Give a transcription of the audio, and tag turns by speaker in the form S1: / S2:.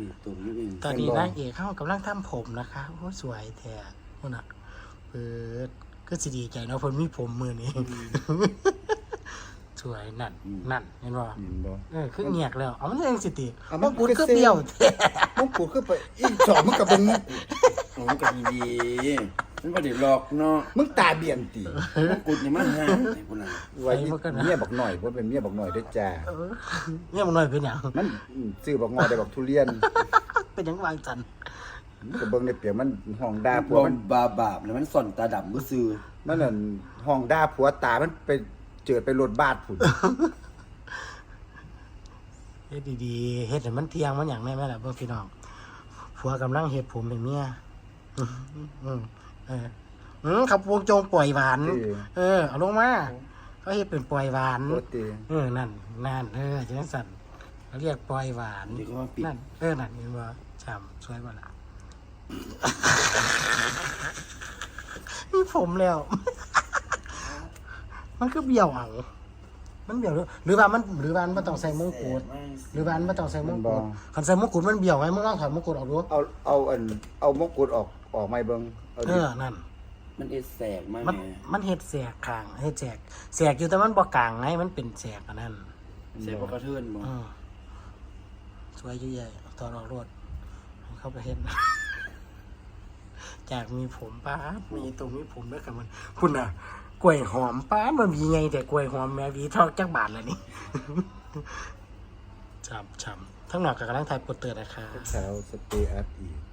S1: ตุ่มนี่เอง
S2: ตอนนี้นางเอกเขากำลังทำผมนะคะโอ้สวยแท้คนน่ะเปิดก็สิดีใจเนาะเพิ่นมีผมมือนี้สวยนั่นเห็นบ่คือเงียกแล้วเอามันยังสิติมงกุฎคือเบี้ยวแท้
S3: มงกุฎคือไปอีกสองมึงก็เป็นมงกุฎ
S1: โอ้ก็ดีมันบ่ได้หลอกเนาะ
S3: มึงตาเบี่ยนติ
S1: มงกุฎนี่มันหาไอ้พุ่นน่ะ
S3: ไว้เมียบอกหน่อยว่าเป็นเมียบอกหน่อยด้วยจ้า
S2: เนี่ยมันน้อยเป็นหยัง
S3: มันซื้อบอกงอได้บอกทุเรียน
S2: เป็นหยังวางจัน
S3: ก็เบิ่งในเปียกมันห้องด่าผัว
S1: บ่
S3: มัน
S1: บาปแล้วมันส่อนตาดำบ่ซื่อ
S3: มันนั่นห้องด่าผัวตามันไปเจิดไปรถบาดพุ่น
S2: เฮ็ดดีๆเฮ็ดให้มันเที่ยงมันหยังแม่แม่ล่ะเบิ่งพี่น้องผัวกำลังเฮ็ดผมให้เมียขับวงโจงปล่อยหวานเอาลงมาเขาเฮ็ดเป็นปล่อยหวาน
S3: โคตร
S2: นั่นจังสั่นเขาเรียกปล่อยหวาน
S1: นี่ก็ว่าปิด
S2: นั่นนั่นเห็นบ่ฉ่ำสวยบ่ล่ะมีผมแล้ว มันคือเบี้ยวเอามันเบี้ยวหรือว่ามันบ่ต้องใส่มงกุฎหรือว่ามันบ่ต้องใส่มงกุฎคันใส่มงกุฎมันเบี้ยวไงมึงลองถอดมงกุฎออกดู
S3: เอามงกุฎออกไม่เบิ่ง
S2: นั่น
S1: มันเอดแสกมา
S2: มันเฮ็ดแสกข้างเฮ็ดแสกอยู่แต่มันบ่กลางไงมันเป็นแสกอันนั้น
S1: แสกบ่กระเทือนบ่
S2: สวยอยู่ใหญ่ตอนออกรถเข้าไปเห็น จากมีผมป้ามีตรงนี้ผมด้วยกันมันคุณน่ะกล้วยหอมป้ามันมีไงแต่กล้วยหอมแม่วีทอกจักบาทแล้วนี่ ช้ำทั้งหนอกกับกำลังถ่ายโปสเตอร์นะคะ
S3: สาวสเตย์อัพอีก